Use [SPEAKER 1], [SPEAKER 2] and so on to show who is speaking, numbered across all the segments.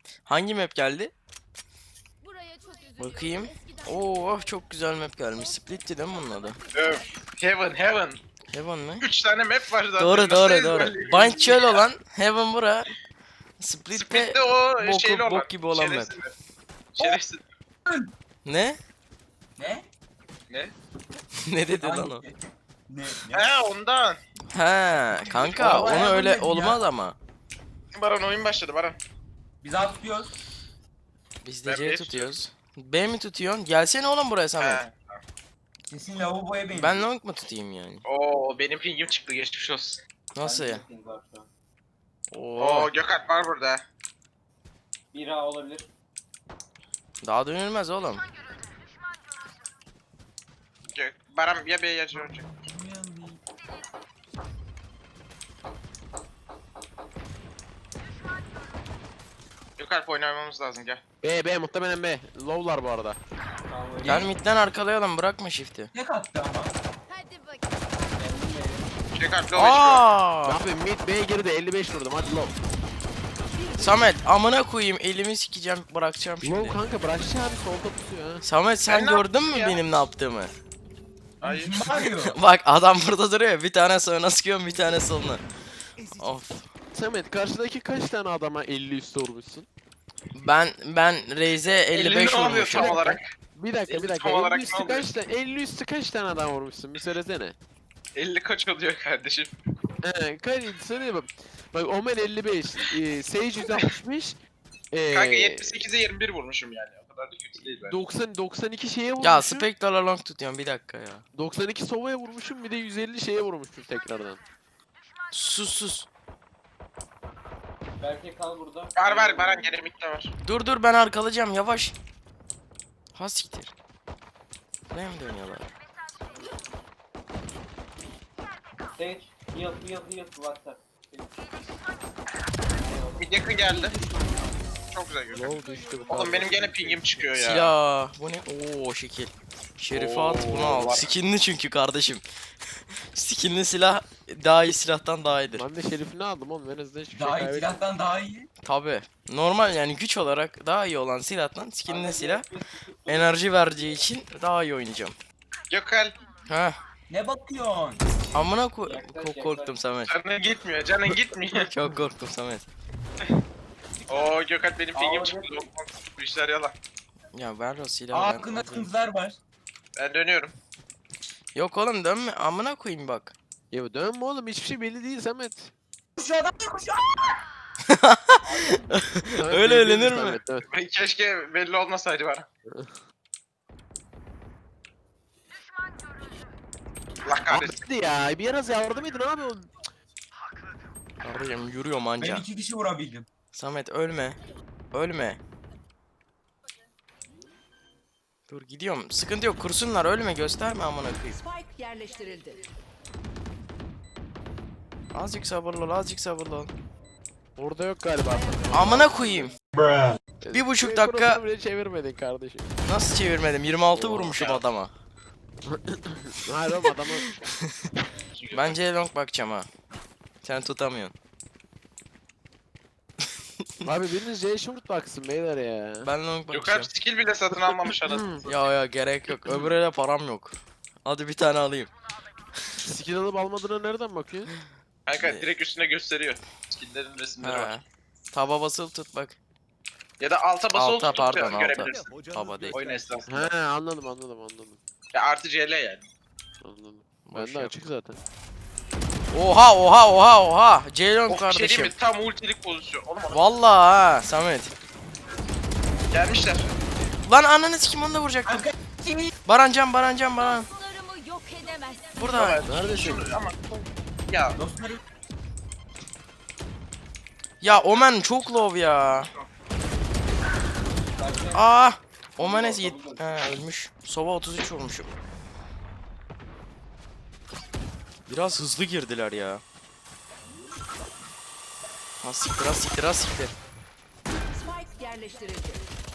[SPEAKER 1] Hangi map geldi?
[SPEAKER 2] Buraya çok üzülüyorum.
[SPEAKER 1] Bakayım.
[SPEAKER 2] Eskiden
[SPEAKER 1] Oo çok güzel map gelmiş. Split'ti değil mi bunun adı?
[SPEAKER 3] Öf. Heaven.
[SPEAKER 1] Heaven mi?
[SPEAKER 3] 3 tane map var zaten.
[SPEAKER 1] Doğru
[SPEAKER 3] Nasıl
[SPEAKER 1] doğru doğru.
[SPEAKER 3] ezberleyebiliriz
[SPEAKER 1] Bind çöl
[SPEAKER 3] ya?
[SPEAKER 1] olan, Heaven bura. Split'te
[SPEAKER 3] Split'te o şeyli
[SPEAKER 1] boku,
[SPEAKER 3] olan.
[SPEAKER 1] bok gibi olan map.
[SPEAKER 3] Şerefsiz mi? Şerefsiz.
[SPEAKER 1] Ne?
[SPEAKER 4] Ne?
[SPEAKER 3] Ne?
[SPEAKER 1] Ne dedi lan o?
[SPEAKER 4] Hangi? Ne?
[SPEAKER 3] He ondan.
[SPEAKER 1] Ha kanka
[SPEAKER 4] Ama
[SPEAKER 1] onu
[SPEAKER 4] Heaven
[SPEAKER 1] öyle
[SPEAKER 4] dedim ya.
[SPEAKER 1] olmaz ama.
[SPEAKER 3] Baran oyun başladı Baran.
[SPEAKER 4] Biz atıyoruz.
[SPEAKER 1] Biz de
[SPEAKER 3] Ben
[SPEAKER 1] C
[SPEAKER 3] B
[SPEAKER 1] tutuyoruz. B mi tutuyorsun? Gelsene oğlum buraya Samet.
[SPEAKER 3] He.
[SPEAKER 4] Kesin lavaboya benziyor.
[SPEAKER 1] Ben long mu tutayım yani?
[SPEAKER 3] Oo benim pingim çıktı geçmiş olsun.
[SPEAKER 1] Nasıl ya? Oo.
[SPEAKER 3] Oo Gökalp var burada.
[SPEAKER 5] Bira olabilir.
[SPEAKER 1] Daha dönülmez oğlum.
[SPEAKER 3] Baran ya B'ye ya C olacak. Gökalp oynamamız lazım gel.
[SPEAKER 6] B muhtemelen B. Low'lar bu arada.
[SPEAKER 5] Tamam öyle.
[SPEAKER 1] Gel midden arkalayalım bırakma shift'i.
[SPEAKER 4] Ne kattı ama?
[SPEAKER 2] hadi bakayım.
[SPEAKER 3] Gökalp low HP.
[SPEAKER 1] Aa!
[SPEAKER 6] Abi mid B girdi 55 vurdum hadi low.
[SPEAKER 1] Samet amına koyayım elimi sikeceğim bırakacağım
[SPEAKER 6] Low
[SPEAKER 1] şimdi.
[SPEAKER 6] kanka bırakçı abi solda tutuyor ha.
[SPEAKER 1] Samet sen
[SPEAKER 3] Ben ne
[SPEAKER 1] gördün mü
[SPEAKER 3] yaptım ya?
[SPEAKER 1] benim ne yaptığımı?
[SPEAKER 3] Hayır.
[SPEAKER 4] Kim bağırıyor?
[SPEAKER 1] Bak adam burada duruyor. Bir tane sağına sıkıyorum bir tane soluna. Of.
[SPEAKER 6] Samet karşıdaki kaç tane adama 50 üstü vurmuşsun?
[SPEAKER 1] Ben Reis'e 55
[SPEAKER 3] ne oluyor
[SPEAKER 1] vurmuşum.
[SPEAKER 3] tam olarak?
[SPEAKER 6] Bir dakika
[SPEAKER 3] Tam olarak
[SPEAKER 6] 50
[SPEAKER 3] ne
[SPEAKER 6] üstü
[SPEAKER 3] oluyor?
[SPEAKER 6] kaç tane 50 üstü kaç tane adam vurmuşsun bir söylesene.
[SPEAKER 3] 50 kaç oluyor kardeşim?
[SPEAKER 6] He kaç söyle bak. Bak Omen 55, Sage 165,
[SPEAKER 3] Kanka 78'e 21 vurmuşum yani. O kadar da kötü değil bence.
[SPEAKER 6] 92 şeye vurmuşum.
[SPEAKER 1] Ya Spectre'la long tutuyorum bir dakika ya.
[SPEAKER 6] 92 Sova'ya vurmuşum bir de 150 şeye vurmuşum tekrardan.
[SPEAKER 1] Sus.
[SPEAKER 5] Belki kal burada.
[SPEAKER 3] Var Baran gene midde var.
[SPEAKER 1] Dur ben arkalayacağım yavaş. Ha siktir. Ne mi dönüyorlar?
[SPEAKER 5] Sage. Heal. WhatsApp.
[SPEAKER 3] Mid yakın geldi. Çok güzel görünüyor.
[SPEAKER 6] Low düştü bu kadar.
[SPEAKER 3] Oğlum benim gene pingim çıkıyor ya.
[SPEAKER 1] Silah. Bu ne? Oo şekil. Şerife at bunu
[SPEAKER 3] Oo,
[SPEAKER 1] al.
[SPEAKER 3] var.
[SPEAKER 1] Skinli çünkü kardeşim. Skinli silah daha iyi silahtan daha iyidir.
[SPEAKER 6] Ben de Şerif'ini aldım oğlum en azından hiçbir şey
[SPEAKER 4] Daha iyi
[SPEAKER 6] kaybetmedim.
[SPEAKER 4] silahtan daha iyi.
[SPEAKER 1] Tabi. Normal yani güç olarak daha iyi olan silahtan skinli silah enerji vereceği için daha iyi oynayacağım.
[SPEAKER 3] Gökal.
[SPEAKER 1] Ha.
[SPEAKER 4] Ne bakıyorsun?
[SPEAKER 1] Amına
[SPEAKER 5] Yaklaş.
[SPEAKER 1] korktum Samet.
[SPEAKER 3] Canın gitmiyor.
[SPEAKER 1] Çok korktum Samet.
[SPEAKER 3] Oo Gökal benim pingim
[SPEAKER 5] Aa,
[SPEAKER 3] çıktı. Bu işler yalan.
[SPEAKER 1] Ya ver o silahı
[SPEAKER 4] Aa,
[SPEAKER 1] ben
[SPEAKER 4] hakkında
[SPEAKER 1] alayım.
[SPEAKER 4] sıkıntılar var.
[SPEAKER 3] Ben dönüyorum.
[SPEAKER 1] Yok oğlum dönme amına koyayım bak.
[SPEAKER 6] Ya dönme oğlum hiçbir şey belli değil Samet.
[SPEAKER 4] Şu adam da koşuyor.
[SPEAKER 6] Samet
[SPEAKER 1] Öyle
[SPEAKER 6] belli değil
[SPEAKER 1] eğlenir mi?
[SPEAKER 6] Samet, dön.
[SPEAKER 3] Keşke belli olmasaydı bana. Allah
[SPEAKER 6] Abi
[SPEAKER 3] kahretsin.
[SPEAKER 6] hadi ya biraz yardım edin abi oğlum.
[SPEAKER 1] Kardeşim yürüyorum
[SPEAKER 4] Ben
[SPEAKER 1] anca.
[SPEAKER 4] 2 kişi vurabildim.
[SPEAKER 1] Samet ölme. Ölme. Dur gidiyorum. Sıkıntı yok. Kursunlar ölme gösterme amına koyayım.
[SPEAKER 7] Spike yerleştirildi.
[SPEAKER 1] Azıcık sabırlı ol, azıcık sabırlı ol.
[SPEAKER 6] Orada yok galiba.
[SPEAKER 1] Amına koyayım. 1,5 dakika
[SPEAKER 6] Kurasını bile çevirmedin kardeşim.
[SPEAKER 1] nasıl çevirmedim? 26 vurmuşum adama.
[SPEAKER 6] Hayır oğlum adamı
[SPEAKER 1] Bence long bakacağım ha. Sen tutamıyorsun.
[SPEAKER 6] Abi biriniz J short baksın beyler ya.
[SPEAKER 1] Ben long
[SPEAKER 3] Gökal
[SPEAKER 1] bakacağım.
[SPEAKER 3] skill bile satın almamış anasını.
[SPEAKER 1] Ya gerek yok. Öbürüne param yok. Hadi bir tane alayım.
[SPEAKER 6] Skill alıp almadığına nereden bakıyorsun?
[SPEAKER 3] Kanka direkt üstüne gösteriyor. Skill'lerin resimleri var.
[SPEAKER 1] Ha. Taba basılı tut bak.
[SPEAKER 3] Ya da alta basılı
[SPEAKER 1] Alta,
[SPEAKER 3] tutup
[SPEAKER 1] pardon, alta.
[SPEAKER 3] görebilirsin.
[SPEAKER 1] Taba değil.
[SPEAKER 3] Oyun esnasında.
[SPEAKER 6] He anladım.
[SPEAKER 3] Ya artı CL yani.
[SPEAKER 6] Anladım.
[SPEAKER 1] Boş
[SPEAKER 6] Bende
[SPEAKER 1] yap.
[SPEAKER 6] açık zaten.
[SPEAKER 1] Oha. Ceylon
[SPEAKER 3] Oh, bir şey değil
[SPEAKER 1] kardeşim.
[SPEAKER 3] mi? Tam ultilik pozisyon. Oğlum onu
[SPEAKER 1] Vallahi ha Samet.
[SPEAKER 3] gelmişler.
[SPEAKER 1] Lan ananı sikim onu da vuracaktım. Baran.
[SPEAKER 2] Dostlarımı yok edemezsin.
[SPEAKER 1] Burada.
[SPEAKER 6] Neredesin?
[SPEAKER 3] Ama ya
[SPEAKER 4] Dostlarım.
[SPEAKER 1] Ya Omen çok low ya. Aa. Omen ölmüş. Sova 33 vurmuşum. Biraz hızlı girdiler ya. Ha siktir.
[SPEAKER 7] Spike yerleştirildi.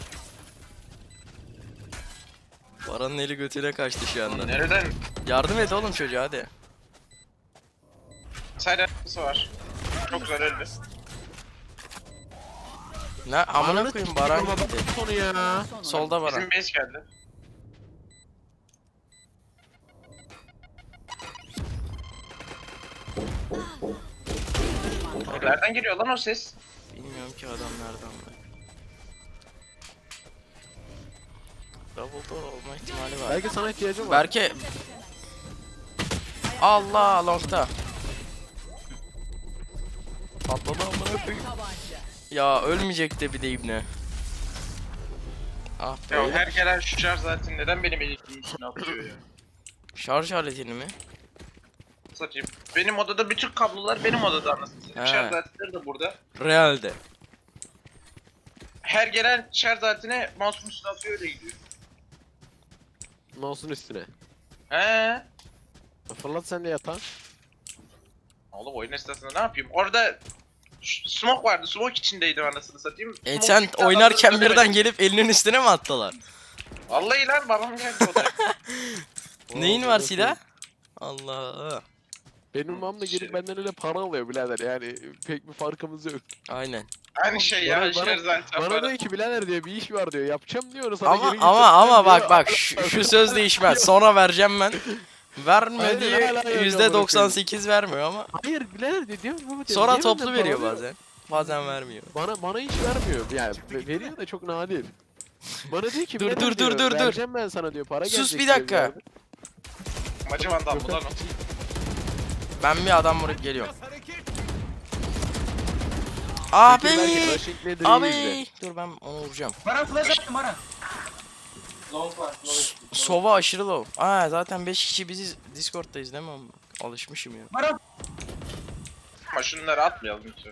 [SPEAKER 1] Baran'ın eli götüne kaçtı şu anda.
[SPEAKER 3] nereden?
[SPEAKER 1] Yardım et oğlum çocuğa hadi.
[SPEAKER 3] Side arkası var. Çok güzel öldü.
[SPEAKER 1] Ne amına koyayım Baran gitti.
[SPEAKER 6] Sonu ya.
[SPEAKER 1] Solda Baran.
[SPEAKER 3] Bizim base geldi. Nereden geliyor lan o ses?
[SPEAKER 1] Bilmiyorum ki adam nereden bak. Double door olma ihtimali var.
[SPEAKER 6] Belki sana ihtiyacım var.
[SPEAKER 1] Berke. Allah longta. Patladı amına koyayım. Ya ölmeyecek de bir de ibne. Ah
[SPEAKER 3] Ya
[SPEAKER 1] be.
[SPEAKER 3] her gelen şu şarj zaten neden benim elektriğin içine atıyor ya?
[SPEAKER 1] Şarj aletini mi?
[SPEAKER 3] Satayım. Benim odada bütün kablolar benim odada anasını satayım.
[SPEAKER 1] He.
[SPEAKER 3] Şarj aletleri de burada.
[SPEAKER 1] Realde.
[SPEAKER 3] Her gelen şarj aletine mouse'un üstüne atıyor öyle gidiyor.
[SPEAKER 6] Mouse'un üstüne.
[SPEAKER 3] He.
[SPEAKER 6] Fırlat sen de yatağa.
[SPEAKER 3] Oğlum oyun esnasında ne yapayım? Orada smoke vardı. Smoke içindeydim anasını satayım. Smoke
[SPEAKER 1] Sen
[SPEAKER 3] çıktı,
[SPEAKER 1] oynarken
[SPEAKER 3] adamları
[SPEAKER 1] birden gelip elinin üstüne mi attılar?
[SPEAKER 3] Vallahi lan babam geldi odaya.
[SPEAKER 1] Neyin var silah? Allah.
[SPEAKER 6] Benim babam da gelip benden öyle para alıyor birader yani pek bir farkımız yok.
[SPEAKER 1] Aynen.
[SPEAKER 3] Aynı şey ya.
[SPEAKER 6] Bana-
[SPEAKER 3] Şarj aleti
[SPEAKER 6] Bana
[SPEAKER 3] var.
[SPEAKER 6] diyor ki birader diyor bir iş var diyor yapacağım diyor sana
[SPEAKER 1] Ama
[SPEAKER 6] geri
[SPEAKER 1] ama
[SPEAKER 6] getireceğim
[SPEAKER 1] bak
[SPEAKER 6] diyor.
[SPEAKER 1] bak şu söz değişmez. Sonra vereceğim ben. Vermediği
[SPEAKER 6] Aynen, hala öyle
[SPEAKER 1] %98 vermiyor ama
[SPEAKER 6] Hayır birader diyor baba diyor.
[SPEAKER 1] sonra
[SPEAKER 6] niye
[SPEAKER 1] toplu
[SPEAKER 6] benden
[SPEAKER 1] veriyor
[SPEAKER 6] para
[SPEAKER 1] bazen. Bazen vermiyor.
[SPEAKER 6] Bana hiç vermiyor yani veriyor da çok nadir. Bana diyor ki
[SPEAKER 1] Dur,
[SPEAKER 6] birader
[SPEAKER 1] dur,
[SPEAKER 6] diyor,
[SPEAKER 1] dur.
[SPEAKER 6] vereceğim ben sana diyor para
[SPEAKER 1] Sus
[SPEAKER 6] gelecek
[SPEAKER 1] bir
[SPEAKER 6] diyor
[SPEAKER 1] dakika.
[SPEAKER 6] birader.
[SPEAKER 3] Macı vandal mı lan o?
[SPEAKER 1] Ben bir adam vurup geliyorum.
[SPEAKER 6] Peki
[SPEAKER 1] Abi!
[SPEAKER 6] belki Rushing nedir iyi
[SPEAKER 1] Abi!
[SPEAKER 6] izle.
[SPEAKER 1] Dur ben onu vuracağım.
[SPEAKER 4] Baran flash attım Baran.
[SPEAKER 5] Long var.
[SPEAKER 1] Sova aşırı low. Aa zaten 5 kişi biziz. Discord'dayız değil mi? Ama alışmışım ya.
[SPEAKER 4] Baran.
[SPEAKER 3] Ama şunları atmayalım lütfen.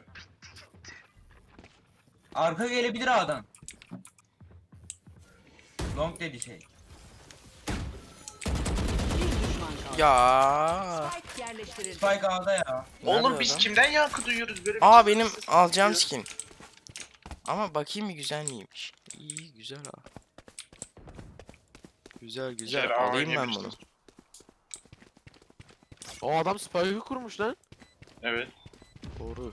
[SPEAKER 4] Arka gelebilir A'dan. Long dedi şey.
[SPEAKER 1] Ya.
[SPEAKER 4] Spike A'da ya.
[SPEAKER 3] Oğlum
[SPEAKER 1] Nerede
[SPEAKER 3] biz
[SPEAKER 1] adam?
[SPEAKER 3] kimden yankı duyuyoruz böyle bir
[SPEAKER 1] Aa
[SPEAKER 3] şey?
[SPEAKER 1] benim alacağım skin. Ama bakayım bir güzel miymiş. İyi güzel ha. Güzel güzel.
[SPEAKER 3] Güzel,
[SPEAKER 1] Alayım ben
[SPEAKER 3] yemiştim.
[SPEAKER 1] bunu.
[SPEAKER 6] O adam spike'ı kurmuş lan.
[SPEAKER 3] Evet.
[SPEAKER 1] Doğru.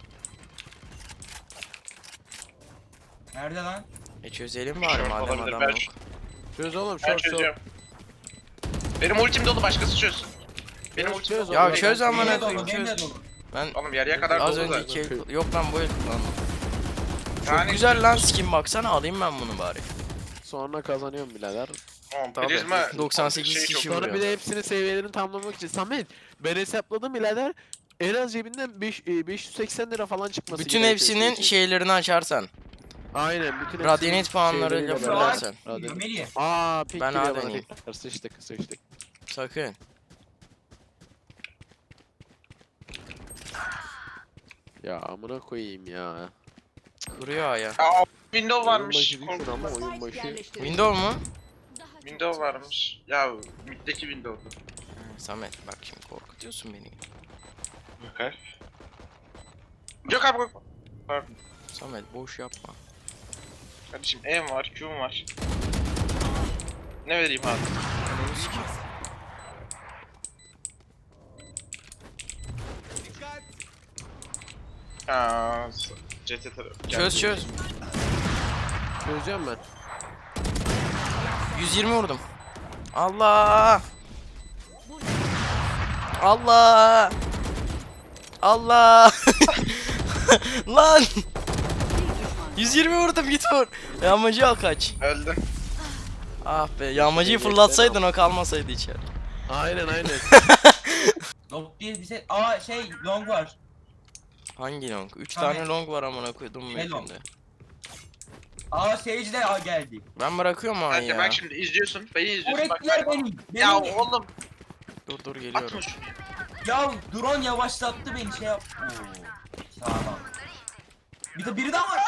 [SPEAKER 4] Nerede lan?
[SPEAKER 1] Çözelim bari
[SPEAKER 3] Short
[SPEAKER 1] madem
[SPEAKER 3] olabilir,
[SPEAKER 1] adam
[SPEAKER 3] ben
[SPEAKER 1] yok.
[SPEAKER 6] Çöz oğlum
[SPEAKER 3] Ben
[SPEAKER 6] short short.
[SPEAKER 3] çözeceğim. Benim ultim dolu başkası çözsün. Benim
[SPEAKER 6] Çöz,
[SPEAKER 3] ultim
[SPEAKER 6] çöz
[SPEAKER 3] dolu.
[SPEAKER 1] Ya
[SPEAKER 6] oğlum.
[SPEAKER 1] çöz
[SPEAKER 4] Benim
[SPEAKER 1] amına
[SPEAKER 4] de
[SPEAKER 1] koyayım
[SPEAKER 4] dolu, benim de
[SPEAKER 1] çöz.
[SPEAKER 4] dolu.
[SPEAKER 1] Ben
[SPEAKER 3] Oğlum yarıya kadar
[SPEAKER 1] az
[SPEAKER 3] dolu
[SPEAKER 1] önce
[SPEAKER 3] zaten.
[SPEAKER 1] iki yok lan bu el lan. Çok
[SPEAKER 3] Yani
[SPEAKER 1] güzel lan skin baksana alayım ben bunu bari.
[SPEAKER 6] Sonra kazanıyorum birader.
[SPEAKER 3] Tamam,
[SPEAKER 1] Tabii,
[SPEAKER 3] prizma
[SPEAKER 1] 98
[SPEAKER 3] şeyi
[SPEAKER 1] kişi
[SPEAKER 3] çok-
[SPEAKER 1] vuruyor.
[SPEAKER 6] Sonra bir de hepsinin seviyelerini tamamlamak için. Samet ben hesapladım birader. En az cebinden 580 lira falan çıkması
[SPEAKER 1] Bütün
[SPEAKER 6] gerekiyor
[SPEAKER 1] hepsinin
[SPEAKER 6] şey için.
[SPEAKER 1] şeylerini açarsan.
[SPEAKER 6] Aynen bütün hepsinin
[SPEAKER 1] Radyanit puanlarıyla
[SPEAKER 6] şeyleriyle
[SPEAKER 1] fırlarsan.
[SPEAKER 6] beraber. Radyanit.
[SPEAKER 4] Melih.
[SPEAKER 6] Aa pink
[SPEAKER 1] Ben
[SPEAKER 6] geliyor
[SPEAKER 1] A
[SPEAKER 6] bana
[SPEAKER 1] deneyeyim.
[SPEAKER 6] tekrar. Sıçtık.
[SPEAKER 1] Sakın.
[SPEAKER 6] Ya amına koyayım ya.
[SPEAKER 1] Kuruyor aya.
[SPEAKER 3] Aa window
[SPEAKER 6] Oyun
[SPEAKER 3] varmış.
[SPEAKER 6] başı değilsin ama oyun başı.
[SPEAKER 1] Window mu?
[SPEAKER 2] Daha çok
[SPEAKER 3] Window varmış. Ya middeki window'du.
[SPEAKER 1] Samet bak şimdi korkutuyorsun beni.
[SPEAKER 3] Bakar. Yok abi yok. Pardon.
[SPEAKER 1] Samet boş yapma.
[SPEAKER 3] Kardeşim E'm var, Q'm var. Ne vereyim abi?
[SPEAKER 1] Ananı sikeyim.
[SPEAKER 3] Aa, CT tarafı.
[SPEAKER 1] Çöz çöz.
[SPEAKER 6] Çözeceğim ben.
[SPEAKER 1] 120 vurdum. Allah! Allah! Allah! Lan! 120 vurdum git vur. Yağmacı al kaç.
[SPEAKER 3] Öldüm.
[SPEAKER 1] Ah be yağmacıyı fırlatsaydın o kalmasaydı içeri.
[SPEAKER 6] Aynen.
[SPEAKER 4] Long diye bize... Aa şey long var.
[SPEAKER 1] Hangi long? 3
[SPEAKER 4] Samet.
[SPEAKER 1] tane long var amına koydum
[SPEAKER 4] Ne long?
[SPEAKER 1] mapinde.
[SPEAKER 4] Aa Sage de A geldi.
[SPEAKER 1] Ben bırakıyorum ama
[SPEAKER 3] Hadi
[SPEAKER 1] ya.
[SPEAKER 3] bak şimdi izliyorsun. Beni izliyorsun bak.
[SPEAKER 4] Öğrettiler benim.
[SPEAKER 3] Ya
[SPEAKER 4] Benim.
[SPEAKER 3] oğlum
[SPEAKER 1] Dur geliyorum.
[SPEAKER 3] atma şunu.
[SPEAKER 4] Ya drone yavaşlattı beni şey yap. Oo. Sağlam. Bir de biri daha var.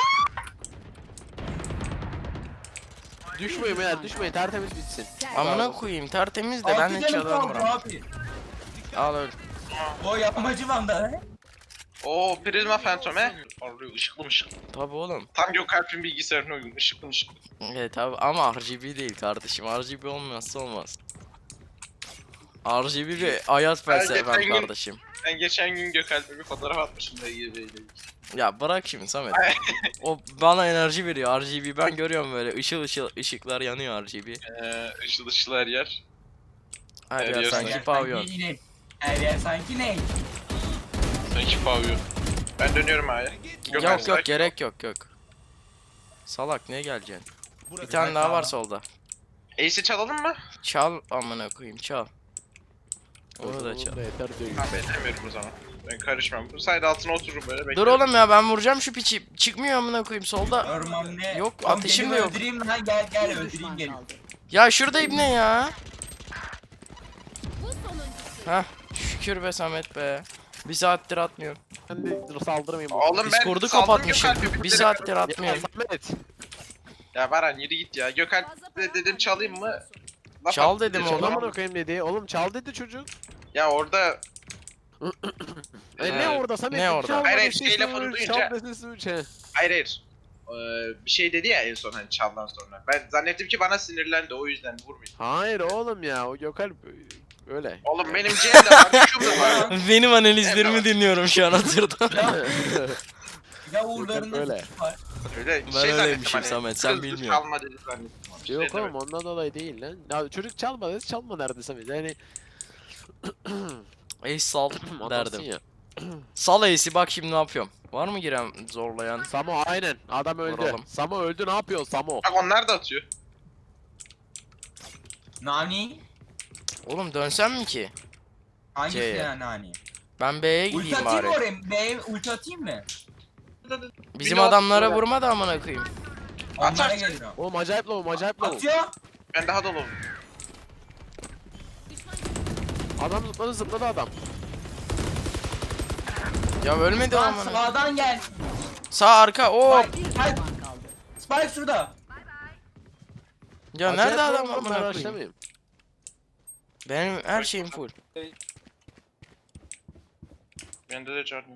[SPEAKER 6] Düşmeyin beyler düşmeyin tertemiz bitsin.
[SPEAKER 1] Amına koyayım tertemiz de ben
[SPEAKER 4] Altı
[SPEAKER 1] hiç
[SPEAKER 4] canım
[SPEAKER 1] adam
[SPEAKER 4] kaldı
[SPEAKER 1] vuramam.
[SPEAKER 4] abi.
[SPEAKER 1] Al öl.
[SPEAKER 4] O yapmacı vanda.
[SPEAKER 3] Oo prizma phantom he. Arıyor ışıklı mışıklı.
[SPEAKER 1] Tabi oğlum.
[SPEAKER 3] Tam Gökalp'in bilgisayarına uygun ışıklı mışıklı.
[SPEAKER 1] Evet tabi ama RGB değil kardeşim. RGB olmazsa olmaz. RGB bir hayat felsefem
[SPEAKER 3] geçen gün-
[SPEAKER 1] kardeşim.
[SPEAKER 3] Ben geçen gün Gökalp'e bir fotoğraf atmışım da iyi böyle.
[SPEAKER 1] Ya bırak şimdi Samet. O bana enerji veriyor RGB. Ben görüyorum böyle ışıl ışıl ışıklar yanıyor RGB.
[SPEAKER 3] Işıl ışıl her yer.
[SPEAKER 1] Her
[SPEAKER 3] Her
[SPEAKER 1] yer
[SPEAKER 3] yer
[SPEAKER 1] sanki
[SPEAKER 3] sanki
[SPEAKER 1] pavyon.
[SPEAKER 4] yine. Her yer sanki ne?
[SPEAKER 3] Sanki pavyon. Ben dönüyorum A'ya.
[SPEAKER 1] Yok yok gerek yok yok. Salak niye geleceksin? Bir tane daha var solda.
[SPEAKER 3] Ace'i çalalım mı?
[SPEAKER 1] Çal amına koyayım çal. Onu da çal.
[SPEAKER 6] Yeter diyor.
[SPEAKER 3] Ha ben demiyorum o zaman. Ben karışmam. Bu side altına otururum böyle
[SPEAKER 1] Dur
[SPEAKER 3] beklerim.
[SPEAKER 1] oğlum ya ben vuracağım şu piçi. Çıkmıyor amına koyayım solda.
[SPEAKER 4] Orman ne?
[SPEAKER 1] Yok,
[SPEAKER 4] Oğlum
[SPEAKER 1] ateşim
[SPEAKER 4] gelin
[SPEAKER 1] de yok.
[SPEAKER 4] Öldüreyim lan gel gel
[SPEAKER 7] Bir
[SPEAKER 4] öldüreyim
[SPEAKER 7] düşman
[SPEAKER 4] gel.
[SPEAKER 7] kaldı.
[SPEAKER 1] Ya şurada ibne ya.
[SPEAKER 2] Bu sonuncusu.
[SPEAKER 1] Heh şükür be Samet be. Bir saattir atmıyorum.
[SPEAKER 6] Ben de saldırmayayım.
[SPEAKER 3] Oğlum ben
[SPEAKER 1] Discord'u
[SPEAKER 3] saldım
[SPEAKER 1] kapatmışım.
[SPEAKER 3] Gökalp'i,
[SPEAKER 1] Bir
[SPEAKER 3] bitirip-
[SPEAKER 1] saattir
[SPEAKER 6] Ya
[SPEAKER 1] atmıyorum.
[SPEAKER 6] Samet.
[SPEAKER 3] Ya Baran yürü git ya. Gökalp
[SPEAKER 2] Fazla
[SPEAKER 3] de dedim çalayım mı? Laf
[SPEAKER 1] Çal
[SPEAKER 3] attı,
[SPEAKER 1] dedim
[SPEAKER 3] dedi,
[SPEAKER 1] oğlum.
[SPEAKER 3] çalamam.
[SPEAKER 6] Amına koyayım dedi. Oğlum çal dedi çocuk.
[SPEAKER 3] Ya orada
[SPEAKER 6] Ne orada Samet?
[SPEAKER 1] Ne orada?
[SPEAKER 6] Çal
[SPEAKER 3] Hayır, hayır,
[SPEAKER 6] dedi,
[SPEAKER 3] şey
[SPEAKER 6] sesini
[SPEAKER 3] lafını
[SPEAKER 6] uç,
[SPEAKER 3] duyunca-
[SPEAKER 6] Çal dedi uç he.
[SPEAKER 3] hayır hayır. Bir şey dedi ya en son hani çaldan sonra. Ben zannettim ki bana sinirlendi o yüzden vurmayayım.
[SPEAKER 6] Hayır oğlum ya o Gökalp öyle.
[SPEAKER 3] Oğlum benim C'm de var, Q'm da var.
[SPEAKER 1] Benim analizlerimi
[SPEAKER 3] Evet.
[SPEAKER 1] dinliyorum şu an hatırda.
[SPEAKER 4] Ya uğurlarında
[SPEAKER 6] Öyle.
[SPEAKER 4] suç var.
[SPEAKER 3] Öyle
[SPEAKER 1] Ben
[SPEAKER 3] zannettim
[SPEAKER 1] öyleymişim Samet, sen
[SPEAKER 3] kızdı,
[SPEAKER 1] bilmiyorsun.
[SPEAKER 3] Çalma dedi zannettim. onu.
[SPEAKER 6] Yok
[SPEAKER 3] Şey
[SPEAKER 6] oğlum
[SPEAKER 3] demedim.
[SPEAKER 6] ondan dolayı değil lan. Ya çocuk çalma dedi çalma derdi Samet. Yani
[SPEAKER 1] Ey sal
[SPEAKER 6] anlarsın
[SPEAKER 1] derdim.
[SPEAKER 6] ya.
[SPEAKER 1] Sal Ace'i bak şimdi ne yapıyorum. Var mı giren zorlayan?
[SPEAKER 6] Samo aynen adam öldü.
[SPEAKER 1] Vuralım.
[SPEAKER 6] Samo öldü ne yapıyorsun Samo?
[SPEAKER 3] Bak onlar da atıyor.
[SPEAKER 4] Nani?
[SPEAKER 1] Oğlum dönsem mi ki?
[SPEAKER 4] Hangisi
[SPEAKER 1] C'ye.
[SPEAKER 4] ya Nani?
[SPEAKER 1] Ben B'ye
[SPEAKER 4] Ulti
[SPEAKER 1] gideyim
[SPEAKER 4] atayım mı
[SPEAKER 1] bari.
[SPEAKER 4] oraya? B'ye ulti atayım mı?
[SPEAKER 1] Bizim
[SPEAKER 3] Bir de
[SPEAKER 1] adamlara
[SPEAKER 3] atıyor.
[SPEAKER 1] vurma da amına koyayım.
[SPEAKER 4] Onlara
[SPEAKER 3] Atarsın.
[SPEAKER 4] gelirim.
[SPEAKER 6] Oğlum acayip low acayip low.
[SPEAKER 4] Atıyor.
[SPEAKER 3] Ben daha dolu.
[SPEAKER 6] Adam zıpladı adam.
[SPEAKER 1] Ya ölmedi o
[SPEAKER 4] Lan
[SPEAKER 1] amına.
[SPEAKER 4] sağdan gel.
[SPEAKER 1] Sağ arka. Oo.
[SPEAKER 7] Bir düşman kaldı.
[SPEAKER 4] Spike şurada.
[SPEAKER 1] Ya
[SPEAKER 6] Acayip
[SPEAKER 1] nerede
[SPEAKER 6] low
[SPEAKER 1] adam
[SPEAKER 6] oğlum,
[SPEAKER 1] amına
[SPEAKER 6] ben
[SPEAKER 1] koyayım?
[SPEAKER 6] rushlamayayım.
[SPEAKER 1] Benim her şeyim full.
[SPEAKER 3] Bende de canım.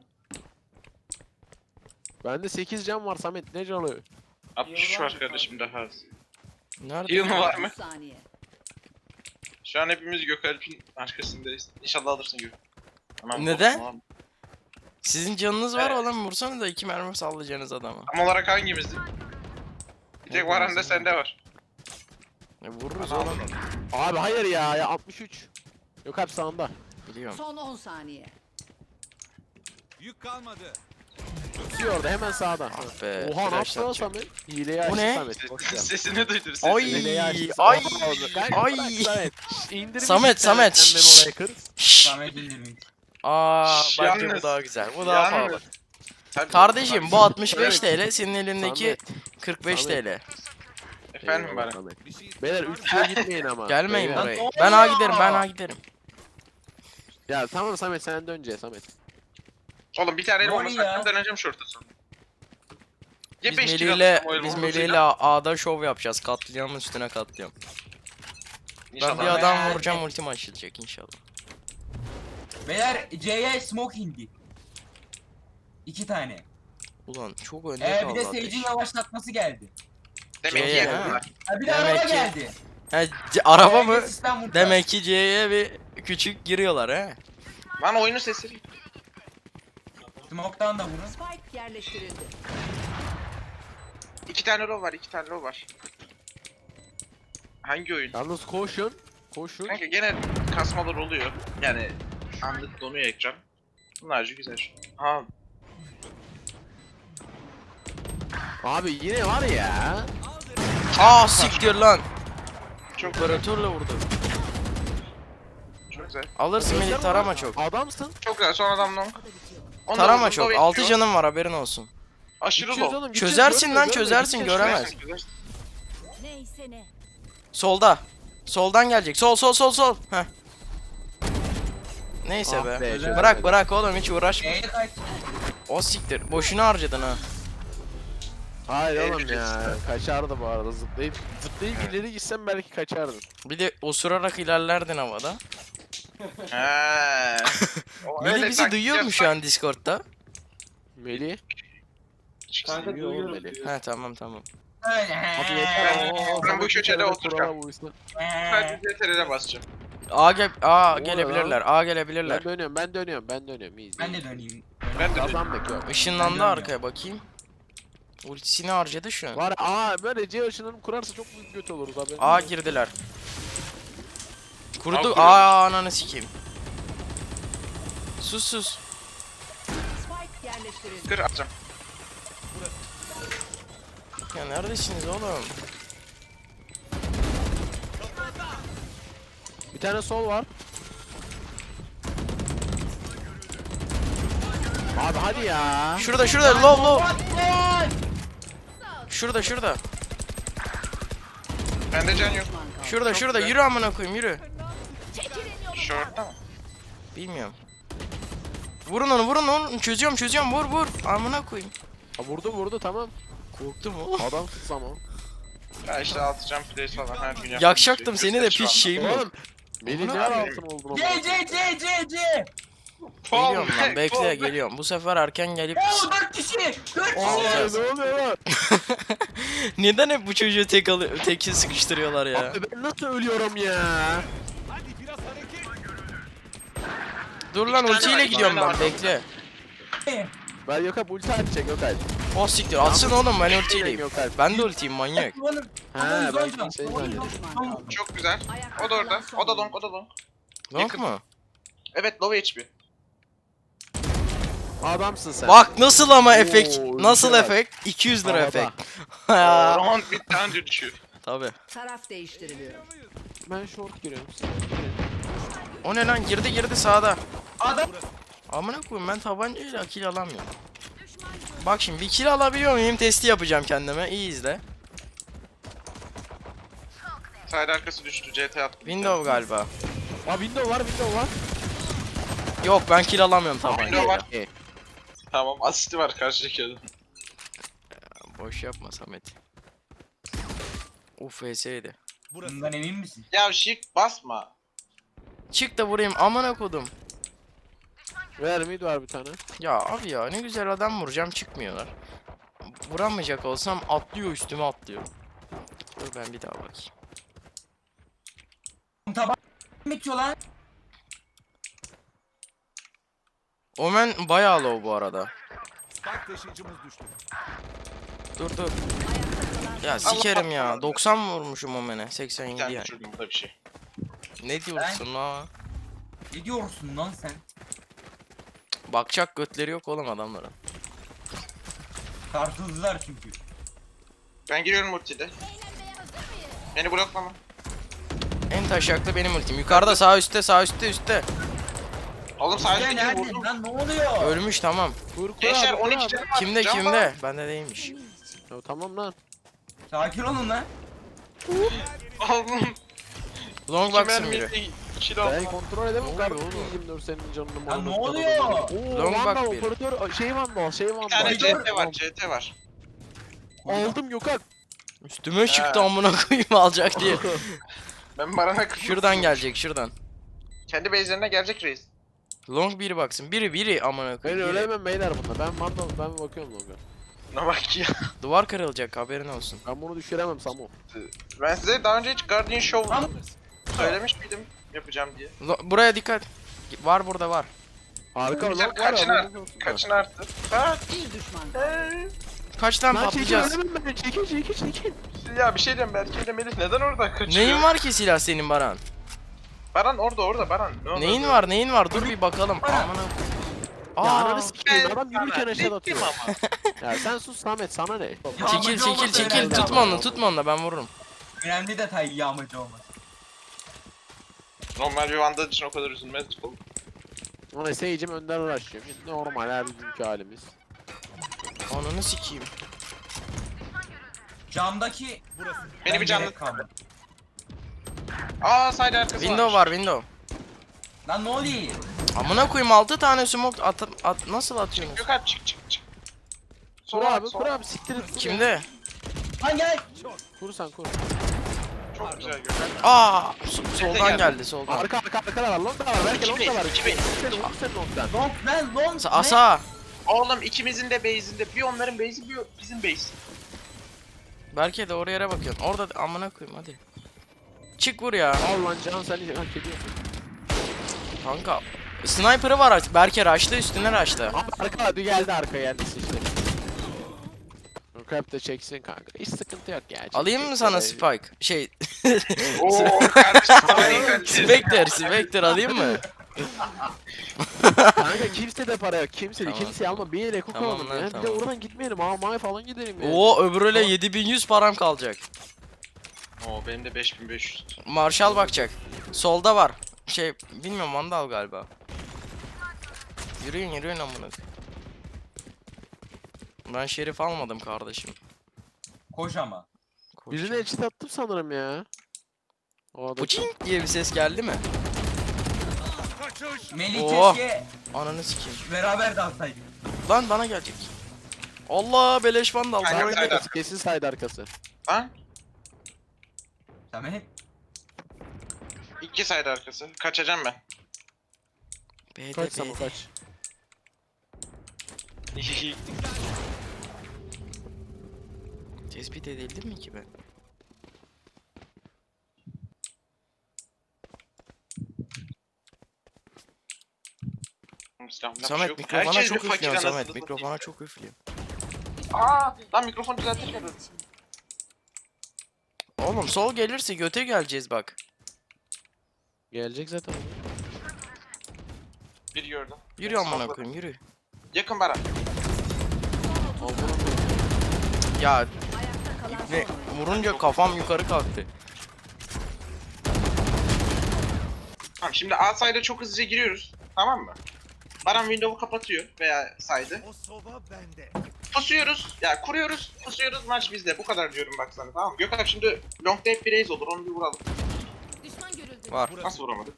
[SPEAKER 6] Bende 8 can var Samet ne canı?
[SPEAKER 3] 63 var kardeşim daha az.
[SPEAKER 1] Nerede?
[SPEAKER 3] Heal mı var
[SPEAKER 7] 30
[SPEAKER 3] mı?
[SPEAKER 7] saniye.
[SPEAKER 3] Şu an hepimiz Gökalp'in arkasındayız. İnşallah alırsın Gök. Tamam,
[SPEAKER 1] Neden?
[SPEAKER 3] tamam.
[SPEAKER 1] Sizin canınız var oğlum vursanız da 2 mermi sallayacaksınız adama.
[SPEAKER 3] Tam olarak hangimizdi? Bir tek Varan da sende var.
[SPEAKER 1] Vururuz
[SPEAKER 3] Ana
[SPEAKER 1] oğlum.
[SPEAKER 6] Abi hayır ya 63. Yok hep sağında.
[SPEAKER 1] Biliyorum.
[SPEAKER 7] Son 10 saniye.
[SPEAKER 8] Yük kalmadı.
[SPEAKER 6] Tutuyor orada hemen sağda.
[SPEAKER 1] Ah be.
[SPEAKER 6] Oha ne
[SPEAKER 1] flash
[SPEAKER 6] yaptı lan
[SPEAKER 1] atacak.
[SPEAKER 6] Samet? Hileyi
[SPEAKER 1] Bu
[SPEAKER 6] açtı
[SPEAKER 1] ne?
[SPEAKER 6] Samet. Boş ver.
[SPEAKER 3] Sesini duydum sesini.
[SPEAKER 1] Ay
[SPEAKER 6] Hileyi açtı.
[SPEAKER 1] ay
[SPEAKER 6] Ay.
[SPEAKER 1] ay.
[SPEAKER 6] Samet. İndirmiş
[SPEAKER 1] Samet,
[SPEAKER 6] bir tane
[SPEAKER 1] Samet,
[SPEAKER 6] sen
[SPEAKER 1] şşş.
[SPEAKER 6] beni oraya kır.
[SPEAKER 1] Şşş.
[SPEAKER 4] Samet indirmiş.
[SPEAKER 1] Aa bence bu
[SPEAKER 3] Yalnız-
[SPEAKER 1] daha güzel. Bu daha
[SPEAKER 3] Yalnız-
[SPEAKER 1] pahalı.
[SPEAKER 3] Tabii,
[SPEAKER 1] Kardeşim bu
[SPEAKER 3] tabii.
[SPEAKER 1] 65 TL senin elindeki
[SPEAKER 6] Samet.
[SPEAKER 1] 45
[SPEAKER 6] Samet.
[SPEAKER 1] TL.
[SPEAKER 3] Efendim
[SPEAKER 6] Eyvallah
[SPEAKER 3] Baran.
[SPEAKER 6] Samet.
[SPEAKER 8] Bir şey
[SPEAKER 6] Beyler 3'e gitmeyin ama.
[SPEAKER 1] Gelmeyin
[SPEAKER 6] Beyler.
[SPEAKER 1] buraya.
[SPEAKER 4] ne
[SPEAKER 1] Ben A
[SPEAKER 4] oluyor?
[SPEAKER 1] giderim ben A giderim.
[SPEAKER 6] Ya tamam Samet sen de önce Samet.
[SPEAKER 3] Oğlum bir tane elim
[SPEAKER 4] Ne
[SPEAKER 3] olmasa
[SPEAKER 4] oluyor ya?
[SPEAKER 3] hakikaten döneceğim şorta sonra. Ya
[SPEAKER 1] Biz
[SPEAKER 3] 5 kilo
[SPEAKER 1] Melih'le
[SPEAKER 3] alırsam o elimi
[SPEAKER 1] biz
[SPEAKER 3] olmasıyla.
[SPEAKER 1] Melih'le A'da şov yapacağız. Katliamın üstüne katliam. Ben
[SPEAKER 3] İnşallah.
[SPEAKER 1] bir adam
[SPEAKER 4] Ben-
[SPEAKER 1] vuracağım ultim açılacak inşallah.
[SPEAKER 4] Beyler C'ye smoke indi. 2 tane.
[SPEAKER 1] Ulan çok önde
[SPEAKER 4] Bir
[SPEAKER 1] kaldı
[SPEAKER 4] de
[SPEAKER 1] ateş.
[SPEAKER 4] Sage'in yavaşlatması geldi.
[SPEAKER 3] Demek ki
[SPEAKER 1] C'ye,
[SPEAKER 3] yedim
[SPEAKER 1] ha.
[SPEAKER 3] bunlar.
[SPEAKER 4] Ha bir de
[SPEAKER 1] Demek
[SPEAKER 4] araba
[SPEAKER 1] ki-
[SPEAKER 4] geldi.
[SPEAKER 1] He, araba
[SPEAKER 4] C'ye
[SPEAKER 1] mı?
[SPEAKER 4] sistem vurdu.
[SPEAKER 1] Demek ki C'ye bir küçük giriyorlar he.
[SPEAKER 3] Lan oyunun sesi.
[SPEAKER 4] Smoke'tan da vurun.
[SPEAKER 7] Spike yerleştirildi.
[SPEAKER 3] 2 tane row var, 2 tane row var. Hangi oyun?
[SPEAKER 6] Yalnız koşun. Koşun.
[SPEAKER 3] Kanka gene kasmalar oluyor. Yani anlık donuyor ekran. Bunlarca güzel. Ha,
[SPEAKER 6] Abi yine var ya.
[SPEAKER 1] Aa siktir lan.
[SPEAKER 3] çok
[SPEAKER 1] Operatörle vurdu.
[SPEAKER 3] çok güzel.
[SPEAKER 1] Alırsın Melih tarama çok.
[SPEAKER 6] Adamsın.
[SPEAKER 3] Çok güzel. Son adam long. Ondan
[SPEAKER 1] Tarama
[SPEAKER 3] uzun
[SPEAKER 1] çok.
[SPEAKER 3] low
[SPEAKER 1] 6
[SPEAKER 3] bekliyor.
[SPEAKER 1] canım var haberin olsun.
[SPEAKER 3] Aşırı
[SPEAKER 6] Gideceğiz
[SPEAKER 3] low.
[SPEAKER 6] oğlum, gideceğiz,
[SPEAKER 1] Çözersin
[SPEAKER 6] görmüyor,
[SPEAKER 1] lan,
[SPEAKER 6] görmüyor,
[SPEAKER 1] çözersin,
[SPEAKER 6] gideceğiz.
[SPEAKER 1] göremez.
[SPEAKER 2] Neyse ne.
[SPEAKER 1] Solda. Soldan gelecek. Sol sol sol sol. Heh. Neyse
[SPEAKER 6] Ah
[SPEAKER 1] be.
[SPEAKER 6] be, çözemedim.
[SPEAKER 1] Bırak bırak oğlum hiç uğraşma.
[SPEAKER 4] C'ye kaç.
[SPEAKER 1] O siktir. Boşuna harcadın ha.
[SPEAKER 6] Hayır oğlum ya.
[SPEAKER 3] Eğleneceğiz.
[SPEAKER 6] Kaçardı bu arada zıplayıp. Zıplayıp ileri gitsem belki kaçardın.
[SPEAKER 1] Bir de osurarak ilerlerdin havada.
[SPEAKER 3] He. O
[SPEAKER 1] Melih
[SPEAKER 3] öyle
[SPEAKER 1] bizi
[SPEAKER 3] taktik
[SPEAKER 1] duyuyor mu
[SPEAKER 3] yapsak-
[SPEAKER 1] şu an Discord'da?
[SPEAKER 6] Melih.
[SPEAKER 5] Kanka
[SPEAKER 6] Duyuyor oğlum
[SPEAKER 5] duyuyorum.
[SPEAKER 6] Melih.
[SPEAKER 1] He tamam tamam.
[SPEAKER 6] Hadi yeter.
[SPEAKER 3] Ben bu köşede oturacağım.
[SPEAKER 6] oturacağım.
[SPEAKER 3] Sadece CTRL'e basacağım.
[SPEAKER 1] A
[SPEAKER 6] Ne
[SPEAKER 1] gelebilirler. A gelebilirler.
[SPEAKER 6] Ben dönüyorum. İyi.
[SPEAKER 4] Ben de döneyim.
[SPEAKER 3] Ben de
[SPEAKER 6] Kazan bekliyor.
[SPEAKER 1] Işınlandı
[SPEAKER 4] Ben
[SPEAKER 1] arkaya bakayım. Ultisini harcadı şu an.
[SPEAKER 6] Var böyle C ışınını kurarsa çok büyük göt oluruz abi.
[SPEAKER 1] A girdiler. Kurdu.
[SPEAKER 3] kuruyoruz.
[SPEAKER 1] Ananı sikeyim. Sus.
[SPEAKER 7] Spike yerleştirildi.
[SPEAKER 3] Kır atacağım.
[SPEAKER 1] Ya neredesiniz oğlum?
[SPEAKER 6] Bir tane sol var. Abi hadi ya.
[SPEAKER 1] Şurada low. Şurada.
[SPEAKER 3] Bende can yok.
[SPEAKER 1] Şurada yürü amına koyayım yürü.
[SPEAKER 2] Çekilin yolumdan.
[SPEAKER 3] Short'ta mı?
[SPEAKER 1] Bilmiyorum. Vurun onu çözüyorum vur amına koyayım.
[SPEAKER 6] Ha, vurdu tamam.
[SPEAKER 1] Korktum o.
[SPEAKER 6] Adam tutsam o.
[SPEAKER 3] Ya işte atacağım place falan her gün yaptığım
[SPEAKER 1] Yakacaktım
[SPEAKER 3] şey.
[SPEAKER 1] seni de
[SPEAKER 3] Şu
[SPEAKER 1] piç
[SPEAKER 3] anda.
[SPEAKER 1] şeyim yok.
[SPEAKER 6] Oğlum. Beni
[SPEAKER 1] Bunu-
[SPEAKER 6] ne altın oldun ama.
[SPEAKER 4] C.
[SPEAKER 1] Geliyorum
[SPEAKER 3] Fall
[SPEAKER 1] lan
[SPEAKER 3] back,
[SPEAKER 1] bekle
[SPEAKER 3] fall back.
[SPEAKER 1] geliyorum. Bu sefer erken gelip
[SPEAKER 4] Oo 4 kişi. 4
[SPEAKER 6] Aa,
[SPEAKER 4] kişi.
[SPEAKER 6] ne oluyor lan?
[SPEAKER 1] neden hep bu çocuğu tek sıkıştırıyorlar ya?
[SPEAKER 6] Abi ben nasıl ölüyorum ya?
[SPEAKER 8] Hadi biraz hareket.
[SPEAKER 1] Dur lan
[SPEAKER 3] İki tane
[SPEAKER 1] ultiyle
[SPEAKER 3] var,
[SPEAKER 1] gidiyorum
[SPEAKER 3] iki tane
[SPEAKER 1] ben
[SPEAKER 3] var.
[SPEAKER 1] bekle.
[SPEAKER 6] Ben Gökalp ulti atacak Gökalp.
[SPEAKER 1] O siktir atsın oğlum ben ultiyim.
[SPEAKER 6] Gökalp.
[SPEAKER 1] Ben de ultiyim manyak.
[SPEAKER 6] He ben seni zannediyorum.
[SPEAKER 3] Çok güzel. O da orada. O da long.
[SPEAKER 1] Long
[SPEAKER 3] Yakın.
[SPEAKER 1] mu?
[SPEAKER 3] Evet low HP.
[SPEAKER 6] Adamsın sen.
[SPEAKER 1] Bak nasıl ama efekt.
[SPEAKER 6] Oo,
[SPEAKER 1] Nasıl
[SPEAKER 6] ultiye bak.
[SPEAKER 1] efekt? 200 lira
[SPEAKER 6] Havada.
[SPEAKER 1] efekt. Ya,
[SPEAKER 3] Round bitti anca düşüyor.
[SPEAKER 1] tabi.
[SPEAKER 7] Taraf değiştiriliyor.
[SPEAKER 6] Ben short giriyorum.
[SPEAKER 1] O ne lan girdi sağda.
[SPEAKER 4] Adam.
[SPEAKER 1] Amına koyayım ben tabancayla kill alamıyorum. Bak şimdi bir kill alabiliyor muyum testi yapacağım kendime. İyi izle.
[SPEAKER 3] Side arkası düştü. CT attım.
[SPEAKER 1] Window galiba.
[SPEAKER 6] Aa window var.
[SPEAKER 1] Yok ben kill alamıyorum
[SPEAKER 3] Window
[SPEAKER 1] tabancayla.
[SPEAKER 3] var. Tamam asisti var karşıdaki adam.
[SPEAKER 1] Boş yapma Samet. Uf VS'ydi.
[SPEAKER 4] Bundan emin misin?
[SPEAKER 3] Ya şık basma.
[SPEAKER 1] Çık da vurayım amına kodum.
[SPEAKER 6] Ver mid var bir tane.
[SPEAKER 1] Ya abi ya ne güzel adam vuracağım çıkmıyorlar. Vuramayacak olsam atlıyor üstüme atlıyor. Dur ben bir daha bakayım.
[SPEAKER 4] Taban bitiyor lan.
[SPEAKER 1] Omen bayağı low bu arada.
[SPEAKER 8] Spike taşıyıcımız düştü.
[SPEAKER 1] Dur. Ya sikerim ya. 90 vurmuşum Omen'e. 87
[SPEAKER 3] Bir tane
[SPEAKER 1] yani.
[SPEAKER 3] düşürdüm bu da bir şey.
[SPEAKER 1] Ne diyorsun la?
[SPEAKER 4] Ne diyorsun lan sen?
[SPEAKER 1] Bakacak götleri yok oğlum adamların.
[SPEAKER 4] Tartıldılar çünkü.
[SPEAKER 3] Ben giriyorum ultide.
[SPEAKER 2] Eğlenmeye hazır mıyız?
[SPEAKER 3] Beni bloklama.
[SPEAKER 1] En taşaklı benim ultim. Yukarıda sağ üstte.
[SPEAKER 3] Oğlum
[SPEAKER 4] Sen
[SPEAKER 3] sadece
[SPEAKER 4] nerede
[SPEAKER 3] vurdum.
[SPEAKER 4] lan ne oluyor?
[SPEAKER 1] Ölmüş tamam.
[SPEAKER 6] Kur
[SPEAKER 3] Gençler
[SPEAKER 6] abi,
[SPEAKER 3] 12
[SPEAKER 6] abi.
[SPEAKER 3] canı var.
[SPEAKER 1] Kimde
[SPEAKER 3] Can var.
[SPEAKER 1] kimde? Bende değilmiş.
[SPEAKER 6] Ya, tamam lan.
[SPEAKER 4] Sakin olun lan.
[SPEAKER 3] Oğlum.
[SPEAKER 1] Long baksın biri.
[SPEAKER 3] 2
[SPEAKER 6] Ben kontrol edemem
[SPEAKER 1] Ne
[SPEAKER 6] kardeşim.
[SPEAKER 1] oluyor oğlum?
[SPEAKER 6] 24 senin canını
[SPEAKER 4] Ya
[SPEAKER 6] malını
[SPEAKER 4] ne
[SPEAKER 6] tutan
[SPEAKER 4] oluyor?
[SPEAKER 6] adamı. Oo
[SPEAKER 1] Long bak
[SPEAKER 6] Vandal
[SPEAKER 1] bir.
[SPEAKER 6] operatör şey Vandal.
[SPEAKER 3] Bir tane
[SPEAKER 4] Koridor.
[SPEAKER 3] CT var. CT var.
[SPEAKER 6] Aldım Gökalp.
[SPEAKER 1] Üstüme çıktı amına koyayım alacak diye.
[SPEAKER 3] Ben Baran'a kırdım.
[SPEAKER 1] Şuradan gelecek şuradan.
[SPEAKER 3] Kendi base'lerine gelecek reis.
[SPEAKER 1] Long biri baksın. Biri amına
[SPEAKER 6] Ben
[SPEAKER 1] koyayım. biri.
[SPEAKER 6] ölemem beyler bunda. Ben Vandal ben bakıyorum Long'a.
[SPEAKER 3] Ne bak ya.
[SPEAKER 1] Duvar kırılacak haberin olsun.
[SPEAKER 6] Ben bunu düşüremem Samo.
[SPEAKER 3] Ben size daha önce hiç Guardian Show
[SPEAKER 4] Lan.
[SPEAKER 3] söylemiş miydim yapacağım diye.
[SPEAKER 1] Buraya dikkat. Var burada var.
[SPEAKER 6] Harika
[SPEAKER 3] Güzel,
[SPEAKER 6] Long var
[SPEAKER 3] kaçına-
[SPEAKER 6] ya. haberiniz olsun da.
[SPEAKER 3] Kaçın arttı? Ha?
[SPEAKER 7] Bir düşman kaldı.
[SPEAKER 1] Kaç tane
[SPEAKER 6] Lan çekil
[SPEAKER 1] patlayacağız?
[SPEAKER 6] ölemem ben. Çekil.
[SPEAKER 3] Ya bir şey diyeyim Berke ile Melih neden orada kaçıyor?
[SPEAKER 1] Neyin var ki silah senin Baran?
[SPEAKER 3] Baran orada Baran. Ne oldu?
[SPEAKER 1] Neyin var? Dur bir bakalım. Amına.
[SPEAKER 6] Ya
[SPEAKER 1] Aa,
[SPEAKER 6] ananı sikeyim adam yürürken aşağı atıyor.
[SPEAKER 3] ama.
[SPEAKER 6] Ya sen sus Samet sana ne?
[SPEAKER 1] çekil tutma onu ben vururum.
[SPEAKER 4] Önemli detay yağmacı olmaz.
[SPEAKER 3] Normal bir Vandal için o kadar üzülmezdik oğlum.
[SPEAKER 6] Ona Sage'im önden uğraşıyor. Normal her günkü halimiz.
[SPEAKER 1] Ananı sikeyim.
[SPEAKER 4] Camdaki
[SPEAKER 3] Beni bir canlı.
[SPEAKER 4] gerek kalmadı.
[SPEAKER 3] Aa side arkası
[SPEAKER 1] Window var window.
[SPEAKER 4] Lan ne oluyor?
[SPEAKER 1] Amına koyayım 6 tane smoke nasıl atıyorsun?
[SPEAKER 3] Gökalp çık.
[SPEAKER 6] Kur abi siktir et. kur ya.
[SPEAKER 1] Kimde?
[SPEAKER 4] Lan gel.
[SPEAKER 6] Kur sen kur.
[SPEAKER 3] Çok güzel Gökalp.
[SPEAKER 1] Aa soldan
[SPEAKER 3] geldi.
[SPEAKER 1] geldi soldan.
[SPEAKER 6] Arka da var long da var. Belki long da var.
[SPEAKER 3] İki base.
[SPEAKER 6] Vur sen longdan.
[SPEAKER 4] Long lan long.
[SPEAKER 1] Asa.
[SPEAKER 3] Oğlum ikimizin de base'inde bir onların base'i bir bizim base.
[SPEAKER 1] Belki de oraya yere bakıyorsun. Orada amına koyayım hadi. Çık vur ya.
[SPEAKER 6] Al lan can sen hak ediyorsun.
[SPEAKER 1] Kanka sniper'ı var artık. Berke rush'ta üstüne rush'ta.
[SPEAKER 6] Arka hadi geldi arka geldi işte. Crap de çeksin kanka. Hiç sıkıntı yok ya.
[SPEAKER 1] Alayım mı sana Spike? Şey
[SPEAKER 3] Oo kardeşim sana iyi kardeşim.
[SPEAKER 1] Spectre alayım mı?
[SPEAKER 6] Kanka kimse de para yok. Kimse de
[SPEAKER 1] Tamam.
[SPEAKER 6] kimseye alma. Bir yere
[SPEAKER 1] Tamam
[SPEAKER 6] alalım
[SPEAKER 1] lan,
[SPEAKER 6] ya. Bir de
[SPEAKER 1] tamam.
[SPEAKER 6] oradan gitmeyelim. May falan gidelim ya.
[SPEAKER 1] Oo öbürüyle 7100 param kalacak.
[SPEAKER 3] Oo benim de 5500.
[SPEAKER 1] Marshall bakacak. Solda var. Şey bilmiyorum Vandal galiba. Yürüyün amına. Ben şerif almadım kardeşim.
[SPEAKER 4] Koş ama.
[SPEAKER 6] Birine headshot attım sanırım ya. O adam.
[SPEAKER 1] Puçing diye bir ses geldi mi?
[SPEAKER 8] Kaçış.
[SPEAKER 4] Melih
[SPEAKER 1] Oh.
[SPEAKER 4] keşke
[SPEAKER 1] Ananı sikeyim.
[SPEAKER 4] beraber dalsaydık.
[SPEAKER 1] Lan bana gelecek. Allah beleş Vandal.
[SPEAKER 3] Aynen.
[SPEAKER 6] Side
[SPEAKER 3] Side
[SPEAKER 6] arkası kesin side arkası.
[SPEAKER 3] Lan
[SPEAKER 4] Samet.
[SPEAKER 3] 2 side arkası. Kaçacağım ben.
[SPEAKER 1] B'de
[SPEAKER 6] Kaç Samu kaç.
[SPEAKER 1] Tespit edildim mi ki ben?
[SPEAKER 3] Silahımda bir şey
[SPEAKER 1] Samet
[SPEAKER 3] yok.
[SPEAKER 1] mikrofona
[SPEAKER 3] Herkes
[SPEAKER 1] çok
[SPEAKER 3] bir fakir
[SPEAKER 1] üflüyorsun
[SPEAKER 3] anasını
[SPEAKER 1] Samet. Mikrofona çok üflüyor.
[SPEAKER 3] Aa, lan mikrofon düzeltirken dur.
[SPEAKER 1] Oğlum sol gelirse göte geleceğiz bak.
[SPEAKER 6] Gelecek zaten.
[SPEAKER 3] Bir gördüm.
[SPEAKER 1] Yürü amına koyayım yürü.
[SPEAKER 3] Yakın bana.
[SPEAKER 1] Ya
[SPEAKER 7] Ayakta kalan
[SPEAKER 1] ne
[SPEAKER 7] son.
[SPEAKER 1] vurunca kafam yukarı kalktı.
[SPEAKER 3] Tamam şimdi A side'a çok hızlıca giriyoruz. Tamam mı? Baran window'u kapatıyor veya side'ı.
[SPEAKER 8] O soba bende.
[SPEAKER 3] Pusuyoruz. Ya kuruyoruz. Pusuyoruz. Maç bizde. Bu kadar diyorum bak sana tamam mı? Gökhan şimdi long tape bir raise olur. Onu bir vuralım.
[SPEAKER 2] Düşman görüldü.
[SPEAKER 1] Var.
[SPEAKER 3] Nasıl vuramadık?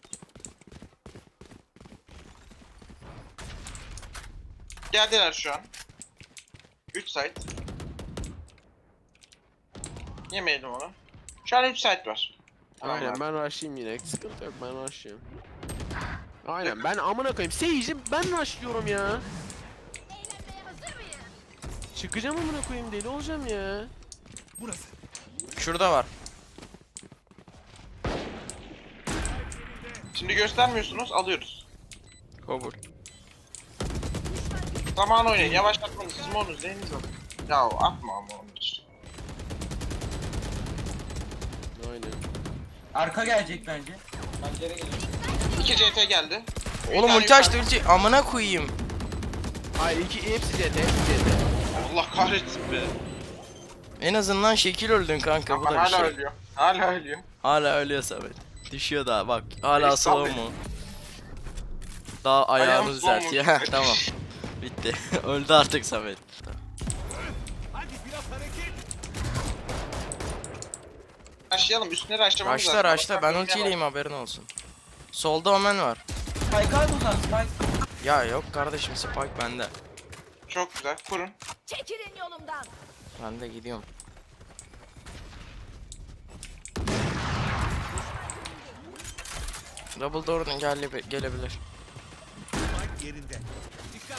[SPEAKER 3] Geldiler şu an. 3 site. Yemeyelim onu. Şu an 3 site var. Tamam
[SPEAKER 6] Aynen
[SPEAKER 3] abi.
[SPEAKER 6] ben rush'layım yine. Sıkıntı yok ben rush'layım. Aynen ben amına koyayım. Sage'im ben rush'lıyorum ya.
[SPEAKER 2] Eğlenmeye hazır mıyız?
[SPEAKER 6] Çıkacağım amına koyayım deli olacağım ya.
[SPEAKER 8] Burası.
[SPEAKER 1] Şurada var.
[SPEAKER 3] Şimdi göstermiyorsunuz. Alıyoruz.
[SPEAKER 1] Kabul.
[SPEAKER 3] Zaman oynayın. Yavaşlatmanız. Siz monunuz. Neyiniz var? Ya atma ama onu hiç.
[SPEAKER 6] Aynen.
[SPEAKER 4] Arka gelecek bence.
[SPEAKER 3] 2 CT geldi. Bir
[SPEAKER 1] Oğlum
[SPEAKER 3] tane
[SPEAKER 1] ulti açtı
[SPEAKER 3] yukarı-
[SPEAKER 1] ulti. Amına koyayım.
[SPEAKER 6] Hayır hepsi CT hepsi CT.
[SPEAKER 3] Allah kahretsin be.
[SPEAKER 1] En azından şekil öldün kanka bu
[SPEAKER 3] Ama
[SPEAKER 1] da bir
[SPEAKER 3] hala
[SPEAKER 1] şey.
[SPEAKER 3] ölüyor. Hala ölüyor.
[SPEAKER 1] Hala ölüyor Samet. Düşüyor daha bak. Hala
[SPEAKER 3] Beni
[SPEAKER 1] slow
[SPEAKER 3] sal
[SPEAKER 1] mu? Daha ayağını
[SPEAKER 3] Ayağım
[SPEAKER 1] düzelt
[SPEAKER 3] slow
[SPEAKER 1] ya.
[SPEAKER 3] mu?
[SPEAKER 1] Tamam. Bitti. Öldü artık Samet.
[SPEAKER 8] Hadi biraz hareket.
[SPEAKER 3] Başlayalım. Üstüne raşlamamız lazım.
[SPEAKER 1] Raşla raşla ben
[SPEAKER 3] Bakalım ne
[SPEAKER 1] ultiyleyim haberin olsun. Solda Omen var.
[SPEAKER 4] Spike al buradan Spike.
[SPEAKER 1] Ya yok kardeşim Spike bende.
[SPEAKER 3] var. Çok güzel. Kurun.
[SPEAKER 2] Çekilin yolumdan.
[SPEAKER 1] Ben de gidiyorum. Double door'dan gelebilir.
[SPEAKER 8] Mike yerinde. Dikkat.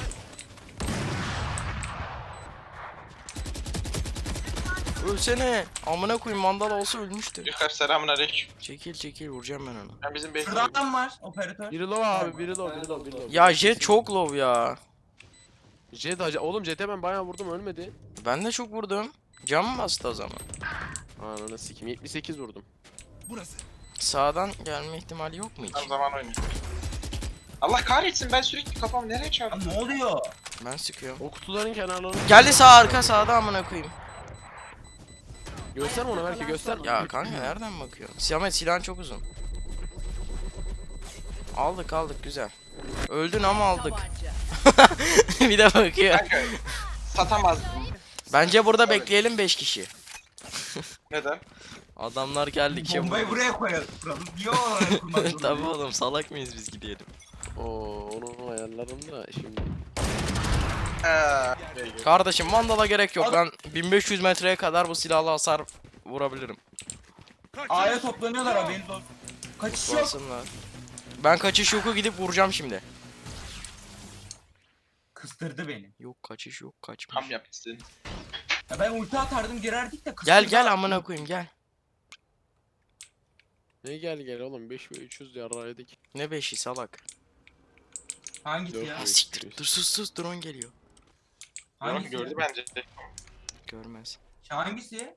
[SPEAKER 1] Ölsene. Amına koyayım mandal olsa ölmüştü.
[SPEAKER 3] Yukarı selamun aleyküm.
[SPEAKER 1] Çekil vuracağım ben onu.
[SPEAKER 3] Ben bizim base
[SPEAKER 4] Şurada adam var operatör.
[SPEAKER 6] Biri low abi biri low.
[SPEAKER 1] Ya Jet çok low ya.
[SPEAKER 6] Jet acı. Oğlum Jet'e ben bayağı vurdum ölmedi.
[SPEAKER 1] Ben de çok vurdum. Cam mı bastı o zaman?
[SPEAKER 6] Ananı sikim 78 vurdum.
[SPEAKER 8] Burası.
[SPEAKER 1] Sağdan gelme ihtimali yok mu hiç?
[SPEAKER 3] Tam zaman oynuyor. Allah kahretsin ben sürekli kafamı nereye
[SPEAKER 4] Ya
[SPEAKER 3] çarptım?
[SPEAKER 4] ne oluyor?
[SPEAKER 1] Ben sıkıyorum.
[SPEAKER 6] O kutuların kenarlarını
[SPEAKER 1] Geldi sağ arka sağda amına koyayım.
[SPEAKER 6] göster ona belki göster.
[SPEAKER 1] Ya kanka nereden bakıyorsun? Samet silahın çok uzun. Aldık güzel. Öldün ama aldık.
[SPEAKER 7] Tabanca.
[SPEAKER 1] Bir de bakıyor.
[SPEAKER 3] Kanka satamazdım.
[SPEAKER 1] Bence burada bekleyelim 5 kişi.
[SPEAKER 3] Neden?
[SPEAKER 1] Adamlar geldikçe
[SPEAKER 4] Bombayı buraya koyalım. Niye oraya kurmak
[SPEAKER 1] Tabii oğlum salak mıyız biz gidelim.
[SPEAKER 6] Oo onu ayarlarım da şimdi.
[SPEAKER 1] Kardeşim Vandal'a gerek yok. Ben 1500 metreye kadar bu silahla hasar vurabilirim.
[SPEAKER 4] A'ya toplanıyorlar haberiniz olsun. Kaçış yok.
[SPEAKER 1] Basınlar. Ben kaçış yoku gidip vuracağım şimdi.
[SPEAKER 4] Kıstırdı beni.
[SPEAKER 1] Yok kaçış yok kaçmış.
[SPEAKER 3] Tam yaptı seni.
[SPEAKER 4] Ya ben ulti atardım girerdik de kıstırdı.
[SPEAKER 1] Gel amına koyayım gel.
[SPEAKER 6] Ne gel oğlum 5 ve 300 yarraydık.
[SPEAKER 1] Ne beşi salak.
[SPEAKER 4] Hangisi
[SPEAKER 6] Dört
[SPEAKER 4] ya?
[SPEAKER 1] Ah
[SPEAKER 6] mü?
[SPEAKER 1] siktir. Dur sus drone geliyor.
[SPEAKER 4] Hangisi?
[SPEAKER 3] Gördü bence.
[SPEAKER 1] Görmez.
[SPEAKER 4] Hangisi?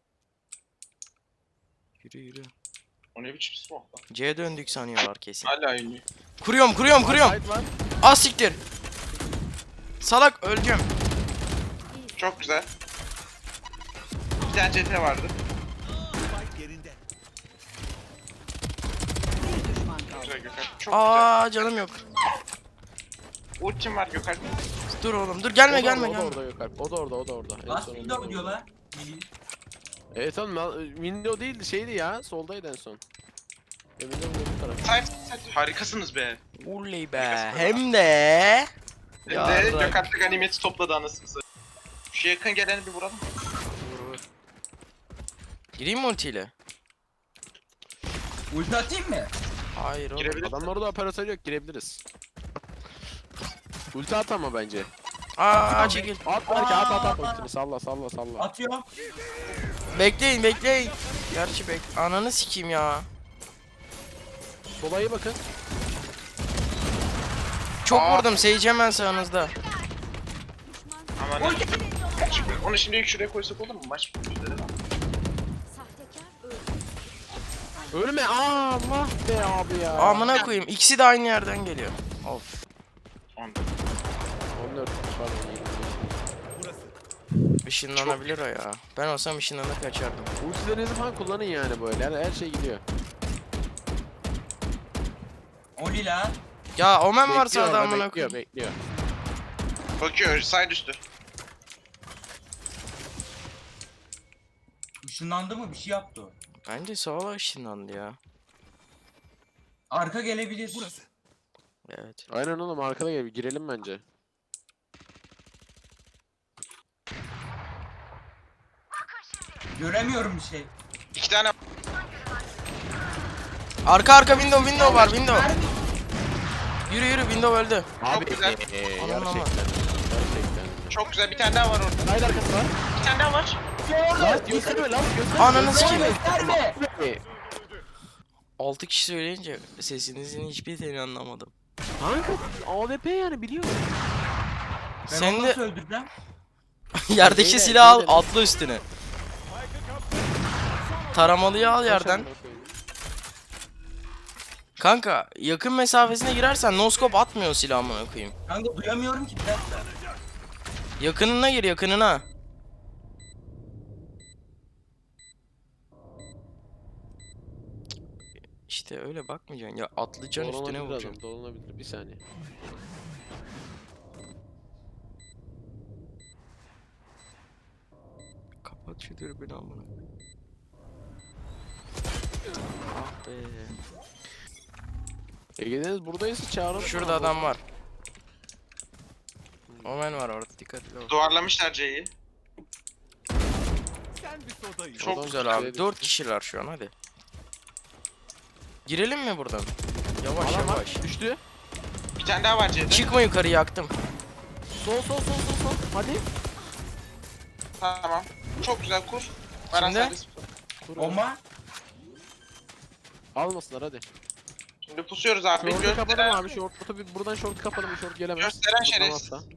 [SPEAKER 1] Yürü.
[SPEAKER 3] O ne biçim smoke lan?
[SPEAKER 1] C'ye döndük sanıyorlar kesin.
[SPEAKER 3] Hala iniyor.
[SPEAKER 1] Kuruyorum.
[SPEAKER 6] Side var.
[SPEAKER 1] Ah siktir. Salak öleceğim.
[SPEAKER 3] Çok güzel. Bir tane CT vardı.
[SPEAKER 8] Spike yerinde.
[SPEAKER 7] Bir düşman kaldı.
[SPEAKER 3] Güzel Gökhan. Çok
[SPEAKER 1] Aa canım yok.
[SPEAKER 3] güzel. Ultim var Gökhan.
[SPEAKER 1] Dur oğlum dur gelme
[SPEAKER 6] O da
[SPEAKER 1] gelme
[SPEAKER 6] orada,
[SPEAKER 1] gelme.
[SPEAKER 6] O da orada yok Alp. O da orada. En
[SPEAKER 4] Last
[SPEAKER 6] son
[SPEAKER 4] window
[SPEAKER 6] orada.
[SPEAKER 4] diyor lan. Melih.
[SPEAKER 6] Evet oğlum window değildi şeydi ya. Soldaydı en son. Window bu taraf.
[SPEAKER 3] Side. Harikasınız be.
[SPEAKER 1] Uley be. Hem de.
[SPEAKER 3] Hem de
[SPEAKER 1] Yarrak.
[SPEAKER 3] Gökhan da ganimeti topladı anasını satayım. Şu yakın geleni bir vuralım.
[SPEAKER 1] Vur. Gireyim mi ultiyle?
[SPEAKER 4] Ulti atayım mı?
[SPEAKER 1] Hayır oğlum.
[SPEAKER 3] Girebilir.
[SPEAKER 6] Adamlarda operatör yok girebiliriz. Ulti at ama bence.
[SPEAKER 1] Aa çekil.
[SPEAKER 6] At belki at ultini salla.
[SPEAKER 4] Atıyorum.
[SPEAKER 1] Bekleyin. Gerçi ananı sikeyim ya.
[SPEAKER 6] Sola iyi bakın.
[SPEAKER 1] Çok
[SPEAKER 3] Aa.
[SPEAKER 1] vurdum. Sage hemen sağınızda.
[SPEAKER 3] Aman ne? Onu şimdi şuraya koysak olur mu? Maç bitmedi değil mi?
[SPEAKER 2] Sahtekar öldü.
[SPEAKER 6] Ölme Allah be abi ya.
[SPEAKER 1] Amına koyayım. İkisi de aynı yerden geliyor. Of.
[SPEAKER 3] 14.
[SPEAKER 6] 14 pardon.
[SPEAKER 8] Burası.
[SPEAKER 1] Işınlanabilir o ya. Ben olsam ışınlanıp kaçardım.
[SPEAKER 6] Ultilerinizi falan kullanın yani böyle. Her şey gidiyor.
[SPEAKER 4] Oli lan.
[SPEAKER 1] Ya Omen varsa
[SPEAKER 6] Bekliyor orada,
[SPEAKER 1] adamına
[SPEAKER 6] bekliyor,
[SPEAKER 1] koyayım.
[SPEAKER 6] bekliyor.
[SPEAKER 3] Bakıyor side üstü.
[SPEAKER 4] Işınlandı mı? Bir şey yaptı o.
[SPEAKER 1] Bence sola ışınlandı ya.
[SPEAKER 4] Arka gelebilir.
[SPEAKER 8] Burası.
[SPEAKER 1] Evet.
[SPEAKER 6] Aynen oğlum arkada gel girelim bence.
[SPEAKER 4] Göremiyorum bir şey.
[SPEAKER 3] 2 tane
[SPEAKER 1] Arka window var window. Yürü window öldü.
[SPEAKER 6] Abi
[SPEAKER 3] güzel.
[SPEAKER 1] Anam ama.
[SPEAKER 6] gerçekten.
[SPEAKER 3] çok güzel bir tane daha var orada.
[SPEAKER 6] Side arkası var.
[SPEAKER 3] Bir tane daha var.
[SPEAKER 6] Last gösterme last gösterme.
[SPEAKER 1] Ananı sikeyim.
[SPEAKER 4] Gösterme.
[SPEAKER 1] 6 kişi söyleyince sesinizin hiçbir telini anlamadım.
[SPEAKER 6] Kanka AWP yani biliyorum.
[SPEAKER 4] Ben
[SPEAKER 1] Sen
[SPEAKER 4] onu
[SPEAKER 1] de
[SPEAKER 4] nasıl öldüreceğim?
[SPEAKER 1] yerdeki
[SPEAKER 6] Beyler,
[SPEAKER 1] silahı al
[SPEAKER 6] beyler.
[SPEAKER 1] atla üstüne. Taramalıyı al yerden. Kanka yakın mesafesine girersen noskop atmıyor silah amına koyayım.
[SPEAKER 4] Kanka duyamıyorum ki bir dakika.
[SPEAKER 1] Yakınına gir yakınına. İşte öyle bakmayacaksın ya atlayacaksın üstüne
[SPEAKER 6] Dolanabilir
[SPEAKER 1] vuracaksın.
[SPEAKER 6] adam, dolanabilir. Bir saniye.
[SPEAKER 1] Kapat şu dürbünü amına koyayım. Ah be.
[SPEAKER 6] Ege'deniz buradaysa çağırın.
[SPEAKER 1] Şurada adam var. Omen var orada dikkatli ol.
[SPEAKER 3] Duvarlamışlar C'yi.
[SPEAKER 8] Sen bir soda iç.
[SPEAKER 3] Çok
[SPEAKER 1] Çok güzel
[SPEAKER 6] güzel.
[SPEAKER 1] abi. 4 kişiler şu an hadi. Girelim mi buradan? Yavaş
[SPEAKER 6] Adam var.
[SPEAKER 1] yavaş.
[SPEAKER 6] Düştü.
[SPEAKER 3] Bir tane daha var C'de.
[SPEAKER 1] Çıkma yukarı yaktım.
[SPEAKER 6] Sol. Hadi.
[SPEAKER 3] Tamam. Çok güzel kur. Var
[SPEAKER 1] Şimdi?
[SPEAKER 3] serbest.
[SPEAKER 6] Kur.
[SPEAKER 4] Bomba.
[SPEAKER 6] Almasınlar hadi.
[SPEAKER 3] Şimdi pusuyoruz abi.
[SPEAKER 6] Short'u kapatalım
[SPEAKER 3] Gösteren,
[SPEAKER 6] abi. Buradan short kapatalım. Bir short gelemez.
[SPEAKER 3] Gösteren şerefsiz.
[SPEAKER 6] Tutamazsa.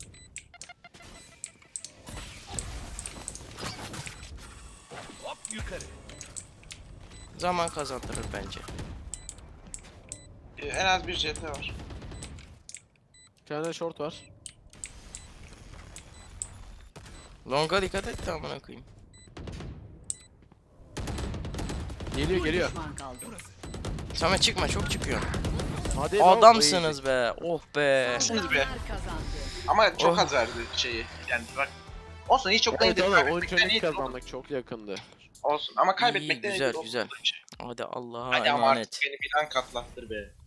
[SPEAKER 8] Hop yukarı.
[SPEAKER 1] Zaman kazandırır bence.
[SPEAKER 3] En az bir CT var.
[SPEAKER 6] Bir tane short var.
[SPEAKER 1] Long'a dikkat et de amına koyayım.
[SPEAKER 6] Geliyor.
[SPEAKER 7] Bir düşman kaldı.
[SPEAKER 8] Burası.
[SPEAKER 1] Samet çıkma çok çıkıyor.
[SPEAKER 6] Hadi lan,
[SPEAKER 1] Adamsınız be. Oh be.
[SPEAKER 3] Siz be.
[SPEAKER 7] Kazandı.
[SPEAKER 3] Ama çok
[SPEAKER 1] Oh.
[SPEAKER 3] az verdi şeyi. Yani bak. Olsun hiç çok
[SPEAKER 6] Evet
[SPEAKER 3] da
[SPEAKER 6] oğlum
[SPEAKER 3] kaybetmekten
[SPEAKER 6] 13
[SPEAKER 3] iyidir.
[SPEAKER 6] kazandık çok yakındı.
[SPEAKER 3] Olsun ama kaybetmekten
[SPEAKER 1] güzel,
[SPEAKER 3] iyidir.
[SPEAKER 1] güzel. Hadi Allah'a
[SPEAKER 3] Hadi ama
[SPEAKER 1] emanet.
[SPEAKER 3] artık beni bir an katlattır be.